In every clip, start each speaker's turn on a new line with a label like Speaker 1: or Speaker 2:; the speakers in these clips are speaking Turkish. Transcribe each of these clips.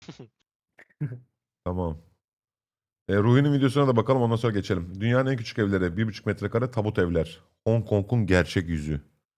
Speaker 1: Tamam. Ruhi'nin videosuna da bakalım, ondan sonra geçelim. Dünyanın en küçük evleri 1,5 metrekare tabut evler. Hong Kong'un gerçek yüzü.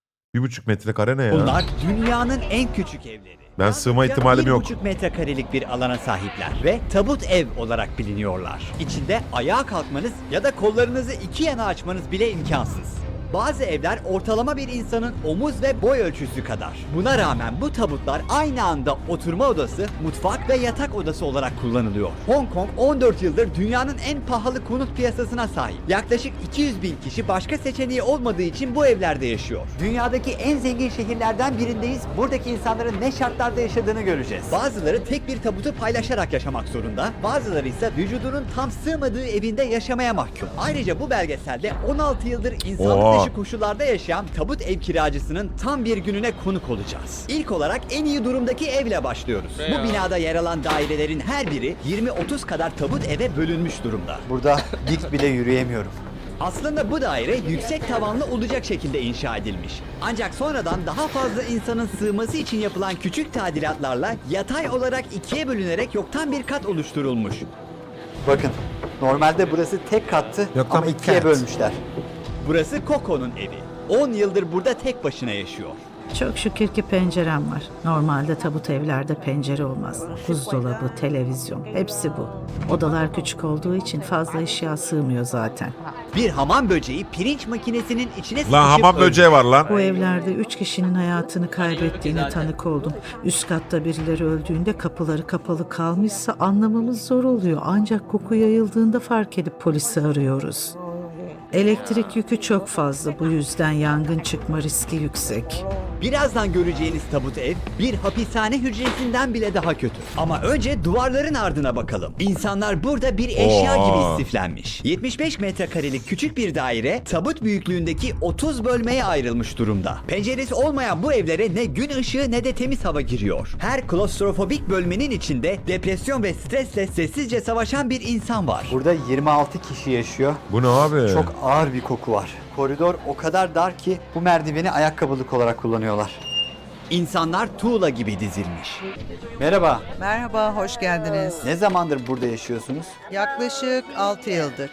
Speaker 1: 1,5 metrekare ne ya?
Speaker 2: Bunlar dünyanın en küçük evleri.
Speaker 1: Ben sığma ihtimalim yok.
Speaker 2: 1,5 metrekarelik bir alana sahipler ve tabut ev olarak biliniyorlar. İçinde ayağa kalkmanız ya da kollarınızı iki yana açmanız bile imkansız. Bazı evler ortalama bir insanın omuz ve boy ölçüsü kadar. Buna rağmen bu tabutlar aynı anda oturma odası, mutfak ve yatak odası olarak kullanılıyor. Hong Kong 14 yıldır dünyanın en pahalı konut piyasasına sahip. Yaklaşık 200 bin kişi başka seçeneği olmadığı için bu evlerde yaşıyor. Dünyadaki en zengin şehirlerden birindeyiz. Buradaki insanların ne şartlarda yaşadığını göreceğiz. Bazıları tek bir tabutu paylaşarak yaşamak zorunda, bazıları ise vücudunun tam sığmadığı evinde yaşamaya mahkum. Ayrıca bu belgeselde 16 yıldır insanlık dışı koşullarda yaşayan tabut ev kiracısının tam bir gününe konuk olacağız. İlk olarak en iyi durumdaki evle başlıyoruz. Bu binada yer alan dairelerin her biri 20-30 kadar tabut eve bölünmüş durumda.
Speaker 3: Burada dik bile yürüyemiyorum.
Speaker 2: Aslında bu daire yüksek tavanlı olacak şekilde inşa edilmiş. Ancak sonradan daha fazla insanın sığması için yapılan küçük tadilatlarla yatay olarak ikiye bölünerek yoktan bir kat oluşturulmuş.
Speaker 3: Bakın, normalde burası tek kattı
Speaker 1: Yoktan
Speaker 3: ama
Speaker 1: bir
Speaker 3: ikiye
Speaker 1: kat.
Speaker 3: bölmüşler.
Speaker 2: Burası Coco'nun evi. 10 yıldır burada tek başına yaşıyor.
Speaker 4: Çok şükür ki pencerem var. Normalde tabut evlerde pencere olmaz. Buzdolabı, televizyon, hepsi bu. Odalar küçük olduğu için fazla eşya sığmıyor zaten.
Speaker 2: Bir hamam böceği pirinç makinesinin içine sıkışıp
Speaker 1: Lan hamam
Speaker 2: öldü.
Speaker 1: böceği var lan.
Speaker 4: Bu evlerde 3 kişinin hayatını kaybettiğine tanık oldum. Üst katta birileri öldüğünde kapıları kapalı kalmışsa anlamamız zor oluyor. Ancak koku yayıldığında fark edip polisi arıyoruz. Elektrik yükü çok fazla, bu yüzden yangın çıkma riski yüksek.
Speaker 2: Birazdan göreceğiniz tabut ev bir hapishane hücresinden bile daha kötü. Ama önce duvarların ardına bakalım. İnsanlar burada bir eşya
Speaker 1: Oha.
Speaker 2: gibi istiflenmiş. 75 metrekarelik küçük bir daire tabut büyüklüğündeki 30 bölmeye ayrılmış durumda. Penceresi olmayan bu evlere ne gün ışığı ne de temiz hava giriyor. Her klostrofobik bölmenin içinde depresyon ve stresle sessizce savaşan bir insan var.
Speaker 3: Burada 26 kişi yaşıyor.
Speaker 1: Bu ne abi?
Speaker 3: Çok ağır bir koku var. Koridor o kadar dar ki bu merdiveni ayakkabılık olarak kullanıyorlar.
Speaker 2: İnsanlar tuğla gibi dizilmiş.
Speaker 3: Merhaba,
Speaker 5: Merhaba, hoş geldiniz.
Speaker 3: ne zamandır burada yaşıyorsunuz?
Speaker 5: Yaklaşık 6 yıldır.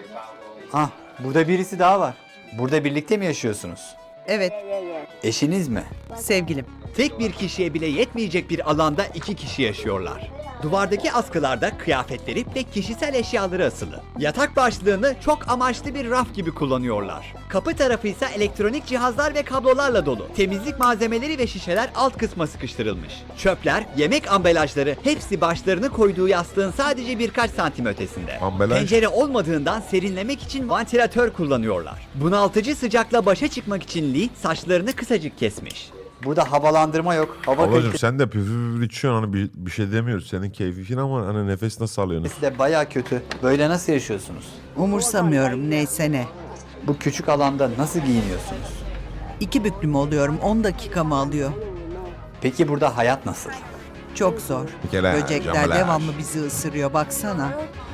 Speaker 3: Ah, burada birisi daha var. Burada birlikte mi yaşıyorsunuz?
Speaker 5: Evet,
Speaker 3: Eşiniz mi?
Speaker 5: sevgilim.
Speaker 2: Tek bir kişiye bile yetmeyecek bir alanda 2 kişi yaşıyorlar. Duvardaki askılarda kıyafetleri ve kişisel eşyaları asılı. Yatak başlığını çok amaçlı bir raf gibi kullanıyorlar. Kapı tarafı ise elektronik cihazlar ve kablolarla dolu. Temizlik malzemeleri ve şişeler alt kısma sıkıştırılmış. Çöpler, yemek ambalajları hepsi başlarını koyduğu yastığın sadece birkaç santim ötesinde.
Speaker 1: Ambalaj?
Speaker 2: Pencere olmadığından serinlemek için vantilatör kullanıyorlar. Bunaltıcı sıcakla başa çıkmak için Lee saçlarını kısacık kesmiş.
Speaker 3: Burada havalandırma yok. Hava
Speaker 1: Ablacım
Speaker 3: kalitesi
Speaker 1: sen de püfür içiyorsun, hani bir şey demiyoruz. Senin keyfin ama hani nefes nasıl alıyorsun?
Speaker 3: de baya kötü. Böyle nasıl yaşıyorsunuz?
Speaker 5: Umursamıyorum, neyse ne.
Speaker 3: Bu küçük alanda nasıl giyiniyorsunuz?
Speaker 5: 2 büklüm oluyorum, 10 dakikamı alıyor.
Speaker 3: Peki burada hayat nasıl?
Speaker 5: Çok zor.
Speaker 1: Pekala,
Speaker 5: Böcekler
Speaker 1: camalar.
Speaker 5: devamlı bizi ısırıyor, baksana.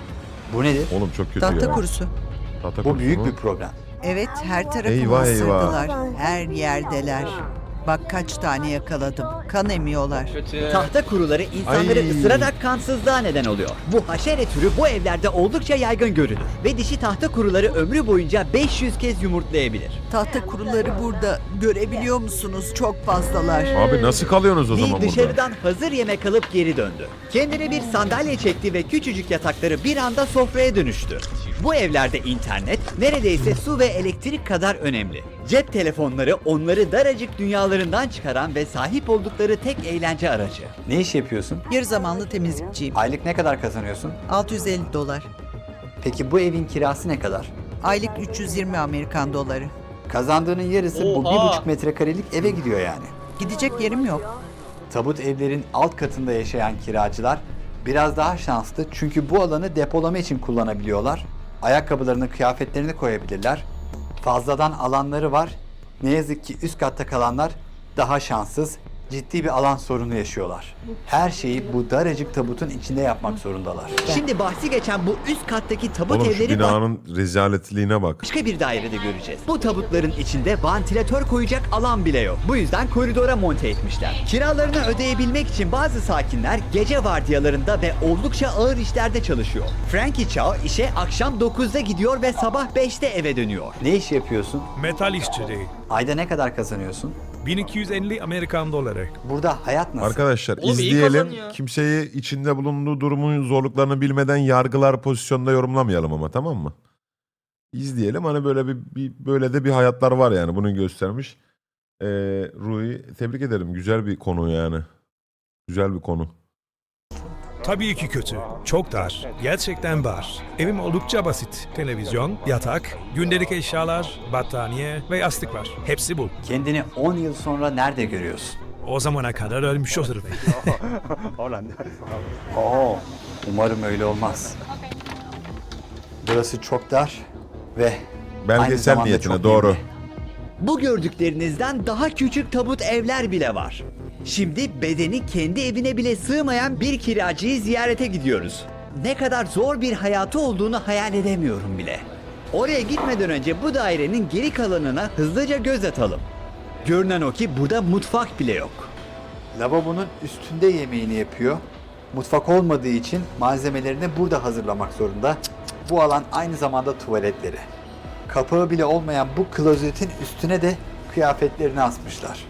Speaker 3: Bu nedir?
Speaker 1: Oğlum çok kötü
Speaker 5: Tahta
Speaker 1: ya.
Speaker 5: kurusu.
Speaker 1: Tahta
Speaker 3: Bu
Speaker 1: kurusu
Speaker 3: büyük
Speaker 1: mu?
Speaker 3: bir problem.
Speaker 5: Evet, her tarafımı
Speaker 1: Eyvah, eyvah.
Speaker 5: ısırdılar. Her yerdeler. Bak kaç tane yakaladım. Kan emiyorlar.
Speaker 2: Tahta kuruları insanları
Speaker 1: Ay.
Speaker 2: ısırarak kansızlığa neden oluyor. Bu haşere türü bu evlerde oldukça yaygın görülür. Ve dişi tahta kuruları ömrü boyunca 500 kez yumurtlayabilir.
Speaker 5: Tahta kuruları burada. Görebiliyor musunuz? Çok fazlalar.
Speaker 1: Abi nasıl kalıyorsunuz o
Speaker 2: Lee
Speaker 1: zaman burada?
Speaker 2: dışarıdan hazır yemek alıp geri döndü. Kendine bir sandalye çekti ve küçücük yatakları bir anda sofraya dönüştü. Bu evlerde internet neredeyse su ve elektrik kadar önemli. Cep telefonları onları daracık dünyalarından çıkaran ve sahip oldukları tek eğlence aracı.
Speaker 3: Ne iş yapıyorsun?
Speaker 5: Yarı zamanlı temizlikçiyim.
Speaker 3: Aylık ne kadar kazanıyorsun?
Speaker 5: 650 dolar.
Speaker 3: Peki bu evin kirası ne kadar?
Speaker 5: Aylık 320 Amerikan doları.
Speaker 3: Kazandığının yarısı bu 1,5 metrekarelik eve gidiyor yani.
Speaker 5: Gidecek yerim yok.
Speaker 3: Tabut evlerin alt katında yaşayan kiracılar biraz daha şanslı çünkü bu alanı depolama için kullanabiliyorlar. Ayakkabılarını, kıyafetlerini koyabilirler. Fazladan alanları var. Ne yazık ki üst katta kalanlar daha şanssız. ciddi bir alan sorunu yaşıyorlar. Her şeyi bu daracık tabutun içinde yapmak zorundalar.
Speaker 2: Şimdi bahsi geçen bu üst kattaki tabut
Speaker 1: Oğlum şu
Speaker 2: evleri
Speaker 1: binanın rezaletliğine bak.
Speaker 2: başka bir dairede göreceğiz. Bu tabutların içinde vantilatör koyacak alan bile yok. Bu yüzden koridora monte etmişler. Kiralarını ödeyebilmek için bazı sakinler gece vardiyalarında ve oldukça ağır işlerde çalışıyor. Frankie Chow işe akşam 9'da gidiyor ve sabah 5'te eve dönüyor.
Speaker 3: Ne iş yapıyorsun?
Speaker 6: Metal işçiliği.
Speaker 3: Ayda ne kadar kazanıyorsun?
Speaker 6: 1250 Amerikan doları.
Speaker 3: Burada hayat nasıl?
Speaker 1: Arkadaşlar
Speaker 7: Oğlum iyi
Speaker 1: izleyelim.
Speaker 7: kazanıyor.
Speaker 1: Kimseyi içinde bulunduğu durumun zorluklarını bilmeden yargılar pozisyonda yorumlamayalım ama, tamam mı? İzleyelim, hani böyle böyle de bir hayatlar var yani, bunu göstermiş. Rui, tebrik ederim. Güzel bir konu yani. Güzel bir konu.
Speaker 6: Tabii ki kötü. Çok dar. Gerçekten dar. Evim oldukça basit. Televizyon, yatak, gündelik eşyalar, battaniye ve yastık var. Hepsi bu.
Speaker 3: Kendini 10 yıl sonra nerede görüyorsun?
Speaker 6: O zamana kadar ölmüş olurum.
Speaker 3: Oo, umarım öyle olmaz. Burası çok dar ve aynı
Speaker 1: Belgesel
Speaker 3: zamanda
Speaker 1: niyetine
Speaker 3: çok
Speaker 1: doğru.
Speaker 3: nemli.
Speaker 2: Bu gördüklerinizden daha küçük tabut evler bile var. Şimdi bedeni kendi evine bile sığmayan bir kiracıyı ziyarete gidiyoruz. Ne kadar zor bir hayatı olduğunu hayal edemiyorum bile. Oraya gitmeden önce bu dairenin geri kalanına hızlıca göz atalım. Görünen o ki burada mutfak bile yok.
Speaker 3: Lavabonun üstünde yemeğini yapıyor. Mutfak olmadığı için malzemelerini burada hazırlamak zorunda. Bu alan aynı zamanda tuvaletleri. Kapağı bile olmayan bu klozetin üstüne de kıyafetlerini asmışlar.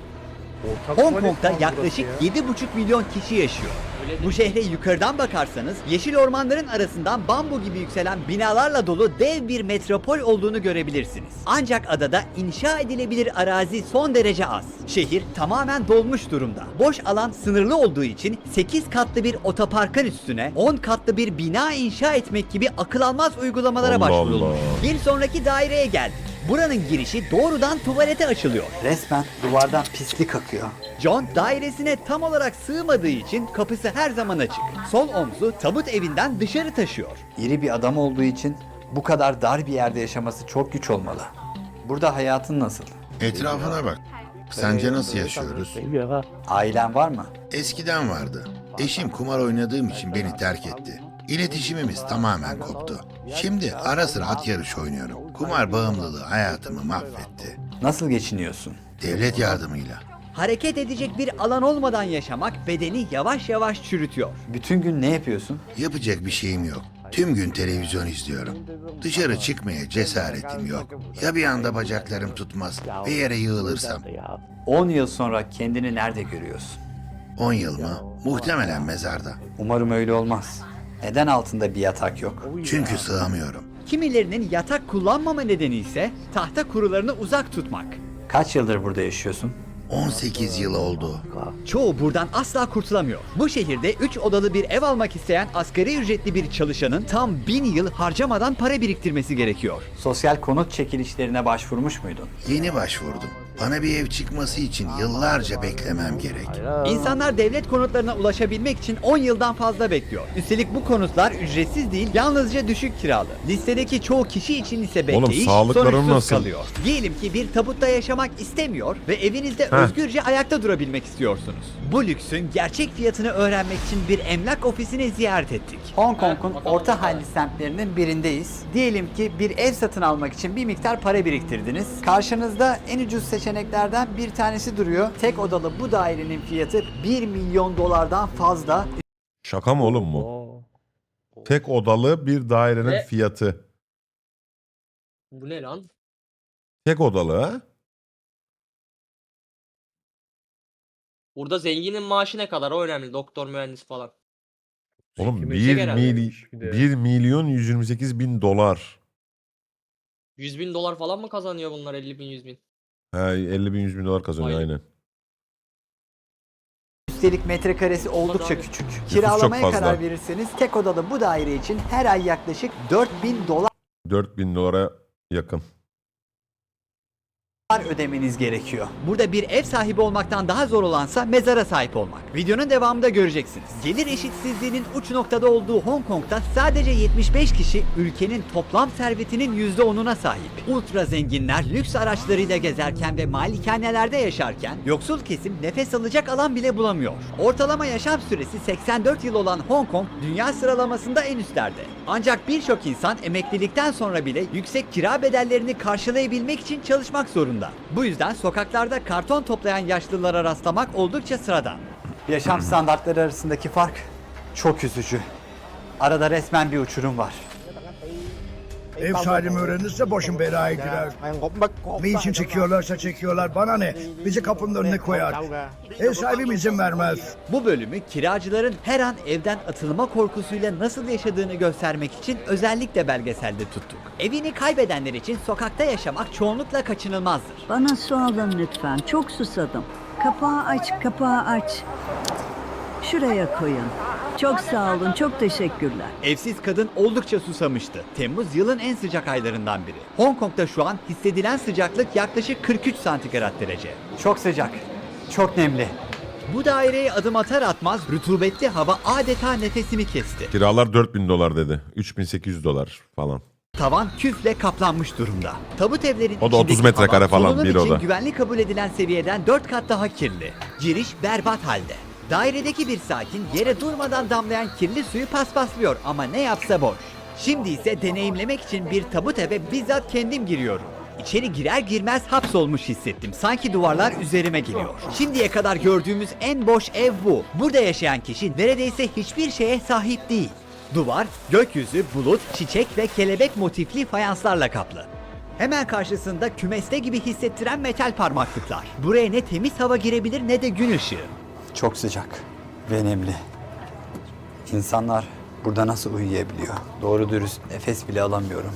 Speaker 2: Hong Kong'da yaklaşık 7,5 milyon kişi yaşıyor. Bu şehre yukarıdan bakarsanız yeşil ormanların arasından bambu gibi yükselen binalarla dolu dev bir metropol olduğunu görebilirsiniz. Ancak adada inşa edilebilir arazi son derece az. Şehir tamamen dolmuş durumda. Boş alan sınırlı olduğu için 8 katlı bir otoparkın üstüne 10 katlı bir bina inşa etmek gibi akıl almaz uygulamalara
Speaker 1: Allah
Speaker 2: başvurulmuş.
Speaker 1: Allah.
Speaker 2: Bir sonraki daireye geldik. Buranın girişi doğrudan tuvalete açılıyor.
Speaker 3: Resmen duvardan pislik akıyor.
Speaker 2: John dairesine tam olarak sığmadığı için kapısı her zaman açık. Sol omzu tabut evinden dışarı taşıyor.
Speaker 3: İri bir adam olduğu için bu kadar dar bir yerde yaşaması çok güç olmalı. Burada hayatın nasıl?
Speaker 8: Etrafına bak. Sence nasıl yaşıyoruz?
Speaker 3: Ailen var mı?
Speaker 8: Eskiden vardı. Eşim kumar oynadığım için beni terk etti. İletişimimiz tamamen koptu. Şimdi ara sıra at yarışı oynuyorum. Kumar bağımlılığı hayatımı mahvetti.
Speaker 3: Nasıl geçiniyorsun?
Speaker 8: Devlet yardımıyla.
Speaker 2: Hareket edecek bir alan olmadan yaşamak bedeni yavaş yavaş çürütüyor.
Speaker 3: Bütün gün ne yapıyorsun?
Speaker 8: Yapacak bir şeyim yok. Tüm gün televizyon izliyorum. Dışarı çıkmaya cesaretim yok. Ya bir anda bacaklarım tutmaz ve yere yığılırsam?
Speaker 3: 10 yıl sonra kendini nerede görüyorsun?
Speaker 8: 10 yıl mı? Muhtemelen mezarda.
Speaker 3: Umarım öyle olmaz. Neden altında bir yatak yok?
Speaker 8: Çünkü sığamıyorum.
Speaker 2: Kimilerinin yatak kullanmama nedeni ise tahta kurularını uzak tutmak.
Speaker 3: Kaç yıldır burada yaşıyorsun?
Speaker 8: 18 yıl oldu.
Speaker 2: Çoğu buradan asla kurtulamıyor. Bu şehirde 3 odalı bir ev almak isteyen asgari ücretli bir çalışanın tam 1000 yıl harcamadan para biriktirmesi gerekiyor.
Speaker 3: Sosyal konut çekilişlerine başvurmuş muydun?
Speaker 8: Yeni başvurdum. Bana bir ev çıkması için yıllarca beklemem gerek.
Speaker 2: İnsanlar devlet konutlarına ulaşabilmek için 10 yıldan fazla bekliyor. Üstelik bu konutlar ücretsiz değil, yalnızca düşük kiralı. Listedeki çoğu kişi için ise bekleyiş
Speaker 1: sağlıkları
Speaker 2: sonuçsuz
Speaker 1: nasıl?
Speaker 2: kalıyor. Diyelim ki bir tabutta yaşamak istemiyor ve evinizde özgürce ayakta durabilmek istiyorsunuz. Bu lüksün gerçek fiyatını öğrenmek için bir emlak ofisini ziyaret ettik.
Speaker 3: Hong Kong'un orta halli semtlerinin birindeyiz. Diyelim ki bir ev satın almak için bir miktar para biriktirdiniz. Karşınızda en ucuz seçeneklerden bir tanesi duruyor. Tek odalı bu dairenin fiyatı 1 milyon dolardan fazla.
Speaker 1: Şaka mı oğlum bu? Tek odalı bir dairenin
Speaker 7: Ve-
Speaker 1: fiyatı.
Speaker 7: Bu ne lan?
Speaker 1: Tek odalı ha?
Speaker 7: Burada zenginin maaşı ne kadar o önemli. Doktor, mühendis falan.
Speaker 1: Oğlum
Speaker 7: Yüksek herhalde.
Speaker 1: 1 milyon 128 bin dolar.
Speaker 7: 100 bin dolar falan mı kazanıyor bunlar? 50 bin, 100 bin.
Speaker 1: Ha, 50 bin 100 bin dolar kazanıyor
Speaker 7: Aynen.
Speaker 1: aynen.
Speaker 3: Üstelik metrekaresi oldukça
Speaker 7: abi.
Speaker 3: küçük.
Speaker 1: çok
Speaker 3: Kiralamaya
Speaker 1: fazla.
Speaker 3: karar verirseniz tek odalı bu daire için her ay yaklaşık 4000 dolar
Speaker 1: 4 bin dolara yakın.
Speaker 3: ödemeniz gerekiyor.
Speaker 2: Burada bir ev sahibi olmaktan daha zor olansa mezara sahip olmak. Videonun devamında göreceksiniz. Gelir eşitsizliğinin uç noktada olduğu Hong Kong'da sadece 75 kişi ülkenin toplam servetinin %10'una sahip. Ultra zenginler lüks araçlarıyla gezerken ve malikanelerde yaşarken yoksul kesim nefes alacak alan bile bulamıyor. Ortalama yaşam süresi 84 yıl olan Hong Kong dünya sıralamasında en üstlerde. Ancak birçok insan emeklilikten sonra bile yüksek kira bedellerini karşılayabilmek için çalışmak zorunda. Bu yüzden sokaklarda karton toplayan yaşlılara rastlamak oldukça sıradan.
Speaker 3: Yaşam standartları arasındaki fark çok üzücü. Arada resmen bir uçurum var.
Speaker 9: Ev sahibim öğrenirse başım belaya girer. Ne için çekiyorlarsa çekiyorlar, bana ne? Bizi kapının önüne koyar. Ev sahibim izin vermez.
Speaker 2: Bu bölümü kiracıların her an evden atılma korkusuyla nasıl yaşadığını göstermek için özellikle belgeselde tuttuk. Evini kaybedenler için sokakta yaşamak çoğunlukla kaçınılmazdır.
Speaker 10: Bana su alın lütfen. Çok susadım. Kapağı aç, kapağı aç. Şuraya koyun. Çok sağ olun, çok teşekkürler.
Speaker 2: Evsiz kadın oldukça susamıştı. Temmuz yılın en sıcak aylarından biri. Hong Kong'da şu an hissedilen sıcaklık yaklaşık 43 santigrat derece.
Speaker 3: Çok sıcak, çok nemli.
Speaker 2: Bu daireye adım atar atmaz rutubetli hava adeta nefesimi kesti.
Speaker 1: Kiralar $4.000 dedi. $3.800 falan.
Speaker 2: Tavan küfle kaplanmış durumda. Tabut evlerin
Speaker 1: O da 30
Speaker 2: içindeki
Speaker 1: metrekare
Speaker 2: hava,
Speaker 1: falan,
Speaker 2: solunum
Speaker 1: bir
Speaker 2: için
Speaker 1: oda.
Speaker 2: güvenli kabul edilen seviyeden 4 kat daha kirli. Giriş berbat halde. Dairedeki bir sakin yere durmadan damlayan kirli suyu paspaslıyor ama ne yapsa boş. Şimdi ise deneyimlemek için bir tabut eve bizzat kendim giriyorum. İçeri girer girmez hapsolmuş hissettim. Sanki duvarlar üzerime geliyor. Şimdiye kadar gördüğümüz en boş ev bu. Burada yaşayan kişi neredeyse hiçbir şeye sahip değil. Duvar, gökyüzü, bulut, çiçek ve kelebek motifli fayanslarla kaplı. Hemen karşısında kümeste gibi hissettiren metal parmaklıklar. Buraya ne temiz hava girebilir ne de gün ışığı.
Speaker 3: Çok sıcak ve nemli. İnsanlar burada nasıl uyuyabiliyor? Doğru dürüst nefes bile alamıyorum.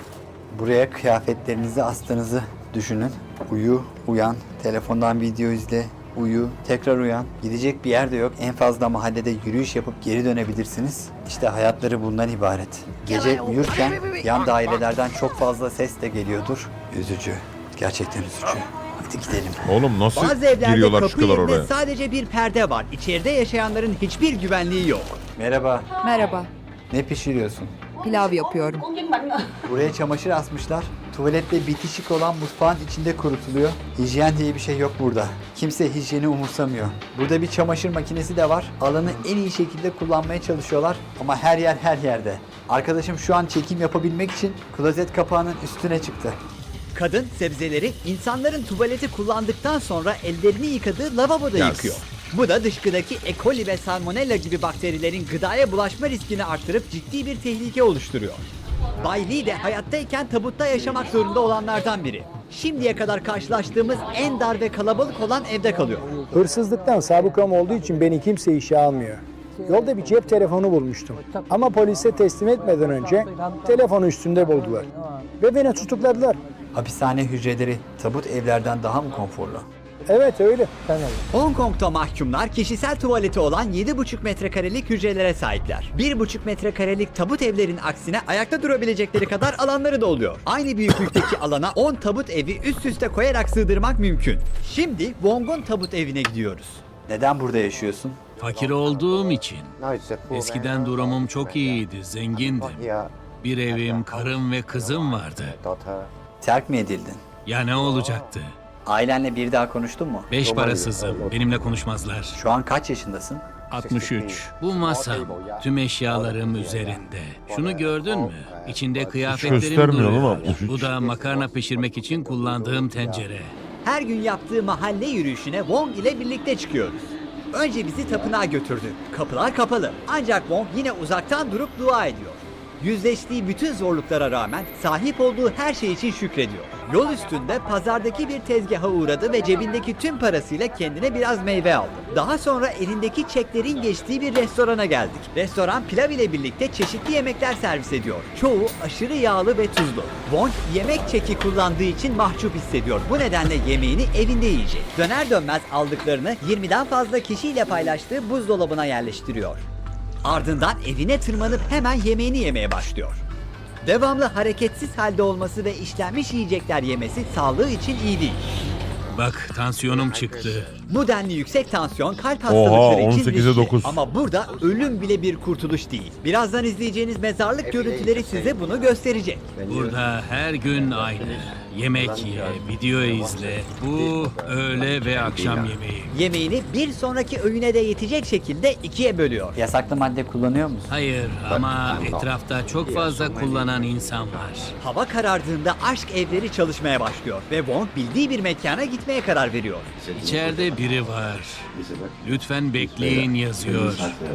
Speaker 3: Buraya kıyafetlerinizi astığınızı düşünün. Uyu, uyan, telefondan video izle, uyu, tekrar uyan. Gidecek bir yer de yok. En fazla mahallede yürüyüş yapıp geri dönebilirsiniz. İşte hayatları bundan ibaret. Gece uyurken yan dairelerden çok fazla ses de geliyordur. Üzücü. Gerçekten üzücü. Hadi gidelim.
Speaker 1: Oğlum nasıl
Speaker 2: Bazı evlerde
Speaker 1: giriyorlar
Speaker 2: kapı
Speaker 1: çıkıyorlar
Speaker 2: yerine
Speaker 1: oraya?
Speaker 2: sadece bir perde var. İçeride yaşayanların hiçbir güvenliği yok.
Speaker 3: Merhaba.
Speaker 11: Merhaba,
Speaker 3: Ne pişiriyorsun?
Speaker 11: pilav yapıyorum.
Speaker 3: Buraya çamaşır asmışlar. Tuvaletle bitişik olan mutfağın içinde kurutuluyor. Hijyen diye bir şey yok burada. Kimse hijyeni umursamıyor. Burada bir çamaşır makinesi de var. Alanı en iyi şekilde kullanmaya çalışıyorlar ama her yer her yerde. Arkadaşım şu an çekim yapabilmek için klozet kapağının üstüne çıktı.
Speaker 2: Kadın sebzeleri insanların tuvaleti kullandıktan sonra ellerini yıkadığı lavaboda
Speaker 1: Yes.
Speaker 2: yıkıyor. Bu da dışkıdaki E. coli ve salmonella gibi bakterilerin gıdaya bulaşma riskini arttırıp ciddi bir tehlike oluşturuyor. Bay Lee de hayattayken tabutta yaşamak zorunda olanlardan biri. Şimdiye kadar karşılaştığımız en dar ve kalabalık olan evde kalıyor.
Speaker 12: Hırsızlıktan sabıkam olduğu için beni kimse işe almıyor. Yolda bir cep telefonu bulmuştum. Ama polise teslim etmeden önce telefonu üstünde buldular. Ve beni tutukladılar.
Speaker 3: Hapishane hücreleri tabut evlerden daha mı konforlu?
Speaker 12: Evet öyle.
Speaker 2: Hong Kong'da mahkumlar kişisel tuvaleti olan 7,5 metrekarelik hücrelere sahipler. 1,5 metrekarelik tabut evlerin aksine ayakta durabilecekleri kadar alanları da oluyor. Aynı büyüklükteki alana 10 tabut evi üst üste koyarak sığdırmak mümkün. Şimdi Wong'un tabut evine gidiyoruz.
Speaker 3: Neden burada yaşıyorsun?
Speaker 13: Fakir olduğum için. Eskiden durumum çok iyiydi, zengindim. Bir evim, karım ve kızım vardı.
Speaker 3: Terk mi edildin?
Speaker 13: Ya ne olacaktı?
Speaker 3: Ailenle bir daha konuştun mu?
Speaker 13: 5 parasızım, benimle konuşmazlar.
Speaker 3: Şu an kaç yaşındasın?
Speaker 13: 63. Bu masam, tüm eşyalarım üzerinde. Şunu gördün mü? İçinde kıyafetlerim
Speaker 1: göstermiyor ama
Speaker 13: duruyor.
Speaker 1: 63.
Speaker 13: Bu da makarna pişirmek için kullandığım tencere.
Speaker 2: Her gün yaptığı mahalle yürüyüşüne Wong ile birlikte çıkıyoruz. Önce bizi tapınağa götürdü. Kapılar kapalı. Ancak Wong yine uzaktan durup dua ediyor. Yüzleştiği bütün zorluklara rağmen sahip olduğu her şey için şükrediyor. Yol üstünde pazardaki bir tezgaha uğradı ve cebindeki tüm parasıyla kendine biraz meyve aldı. Daha sonra elindeki çeklerin geçtiği bir restorana geldik. Restoran pilav ile birlikte çeşitli yemekler servis ediyor. Çoğu aşırı yağlı ve tuzlu. Wong yemek çeki kullandığı için mahcup hissediyor. Bu nedenle yemeğini evinde yiyecek. Döner dönmez aldıklarını 20'den fazla kişiyle paylaştığı buzdolabına yerleştiriyor. Ardından evine tırmanıp hemen yemeğini yemeye başlıyor. Devamlı hareketsiz halde olması ve işlenmiş yiyecekler yemesi sağlığı için iyi değil.
Speaker 13: Bak tansiyonum çıktı.
Speaker 2: Bu denli yüksek tansiyon kalp
Speaker 1: Oha,
Speaker 2: hastalıkları için
Speaker 1: 18'e
Speaker 2: riskli.
Speaker 1: 9.
Speaker 2: Ama burada ölüm bile bir kurtuluş değil. Birazdan izleyeceğiniz mezarlık görüntüleri size bunu gösterecek.
Speaker 13: Burada her gün aynı. Yemek ye, video izle. Bu öğle ve akşam yemeği.
Speaker 2: Yemeğini bir sonraki öğüne de yetecek şekilde ikiye bölüyor.
Speaker 3: Yasaklı madde kullanıyor musun?
Speaker 13: Hayır ama etrafta çok fazla kullanan insan var.
Speaker 2: Hava karardığında aşk evleri çalışmaya başlıyor ve Wong bildiği bir mekana gitmeye karar veriyor.
Speaker 13: İçeride biri var. Lütfen bekleyin yazıyor.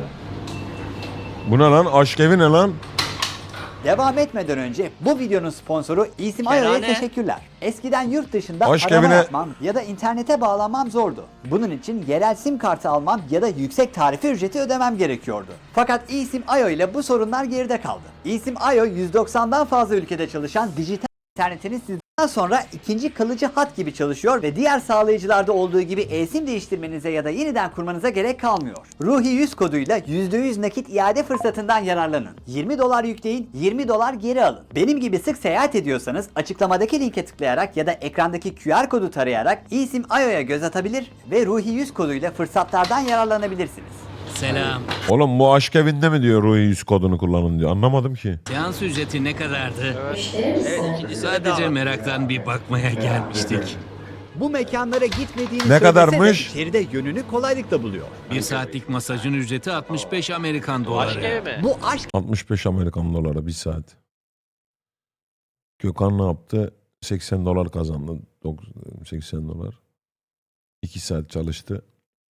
Speaker 1: Bu ne lan? Aşk evi ne lan?
Speaker 2: Devam etmeden önce bu videonun sponsoru İsim Ayo'ya teşekkürler. Eskiden yurt dışında
Speaker 1: Aşk
Speaker 2: arama
Speaker 1: evine-
Speaker 2: yapmam ya da internete bağlanmam zordu. Bunun için yerel sim kartı almam ya da yüksek tarife ücreti ödemem gerekiyordu. Fakat İsim Ayo ile bu sorunlar geride kaldı. İsim Ayo 190'dan fazla ülkede çalışan dijital internetiniz sizden sonra ikinci kalıcı hat gibi çalışıyor ve diğer sağlayıcılarda olduğu gibi e-sim değiştirmenize ya da yeniden kurmanıza gerek kalmıyor. Ruhi 100 koduyla %100 nakit iade fırsatından yararlanın. $20 yükleyin, $20 geri alın. Benim gibi sık seyahat ediyorsanız açıklamadaki linke tıklayarak ya da ekrandaki QR kodu tarayarak İsim Ayo'ya göz atabilir ve Ruhi 100 koduyla fırsatlardan yararlanabilirsiniz.
Speaker 13: Selam.
Speaker 1: Oğlum bu aşk evinde mi diyor Ruhi 100 kodunu kullanın diyor. Anlamadım ki.
Speaker 13: Seans ücreti ne kadardı?
Speaker 7: Evet, ikinci
Speaker 13: Sadece meraktan bir bakmaya gelmiştik.
Speaker 2: Bu mekanlara gitmediğini
Speaker 1: Ne
Speaker 2: söylese
Speaker 1: kadarmış?
Speaker 2: de içeride yönünü kolaylıkla buluyor.
Speaker 13: Bir saatlik masajın ücreti 65 Amerikan
Speaker 7: Aşk
Speaker 13: doları.
Speaker 7: evi mi?
Speaker 2: Bu aşk
Speaker 1: 65 Amerikan doları bir saat. Gökhan ne yaptı? 80 dolar kazandı. 80 dolar. 2 saat çalıştı.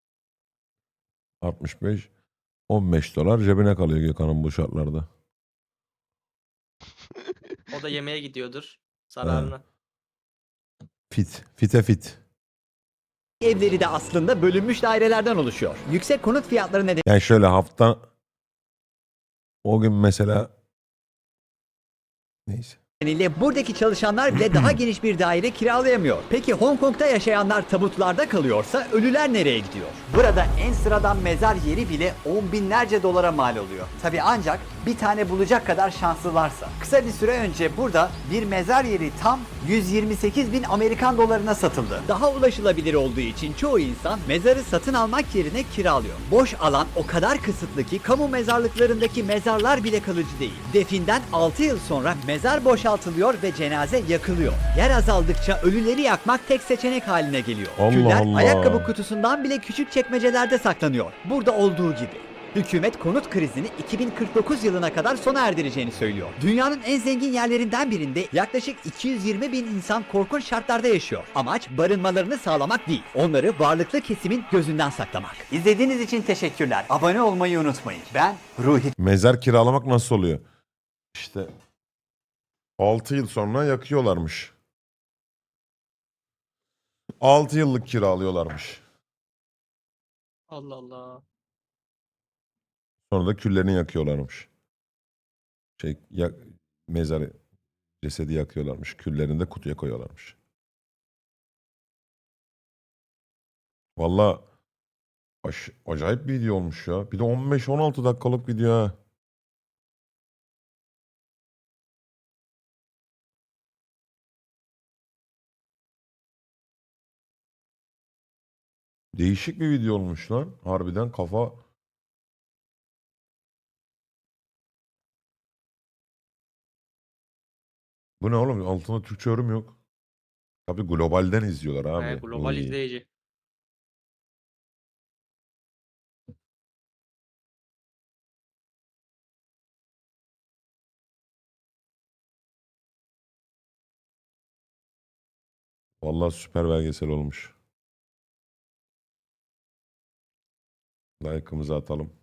Speaker 1: 65. 15 dolar cebine kalıyor Gökhan'ın bu şartlarda.
Speaker 7: O da yemeğe gidiyordur. Zararına.
Speaker 1: Fit. Fite fit.
Speaker 2: evleri de aslında bölünmüş dairelerden oluşuyor. Yüksek konut fiyatları
Speaker 1: Yani şöyle hafta o gün mesela neyse.
Speaker 2: nedeniyle buradaki çalışanlar bile daha geniş bir daire kiralayamıyor. Peki Hong Kong'da yaşayanlar tabutlarda kalıyorsa ölüler nereye gidiyor? Burada en sıradan mezar yeri bile 10 binlerce dolara mal oluyor. Tabi ancak bir tane bulacak kadar şanslılarsa. Kısa bir süre önce burada bir mezar yeri tam 128 bin Amerikan dolarına satıldı. Daha ulaşılabilir olduğu için çoğu insan mezarı satın almak yerine kiralıyor. Boş alan o kadar kısıtlı ki kamu mezarlıklarındaki mezarlar bile kalıcı değil. Definden 6 yıl sonra mezar boşaltılıyor ve cenaze yakılıyor. Yer azaldıkça ölüleri yakmak tek seçenek haline geliyor.
Speaker 1: Allah
Speaker 2: Küller
Speaker 1: Allah.
Speaker 2: ayakkabı kutusundan bile küçük çekmecelerde saklanıyor. Burada olduğu gibi. Hükümet konut krizini 2049 yılına kadar sona erdireceğini söylüyor. Dünyanın en zengin yerlerinden birinde yaklaşık 220 bin insan korkunç şartlarda yaşıyor. Amaç barınmalarını sağlamak değil, onları varlıklı kesimin gözünden saklamak. İzlediğiniz için teşekkürler. Abone olmayı unutmayın. Ben Ruhi.
Speaker 1: Mezar kiralamak nasıl oluyor? İşte 6 yıl sonra yakıyorlarmış. 6 yıllık kiralıyorlarmış.
Speaker 7: Allah Allah.
Speaker 1: Sonra da küllerini yakıyorlarmış. Mezarı, cesedi yakıyorlarmış. Küllerini de kutuya koyuyorlarmış. Valla acayip bir video olmuş ya. Bir de 15-16 dakikalık video ha. Değişik bir video olmuş lan. Harbiden kafa... Bu ne oğlum? Altında Türkçe yorum yok. Tabii globalden izliyorlar abi.
Speaker 7: Evet, global
Speaker 1: Oy.
Speaker 7: izleyici.
Speaker 1: Vallahi süper belgesel olmuş. Like'ımızı atalım.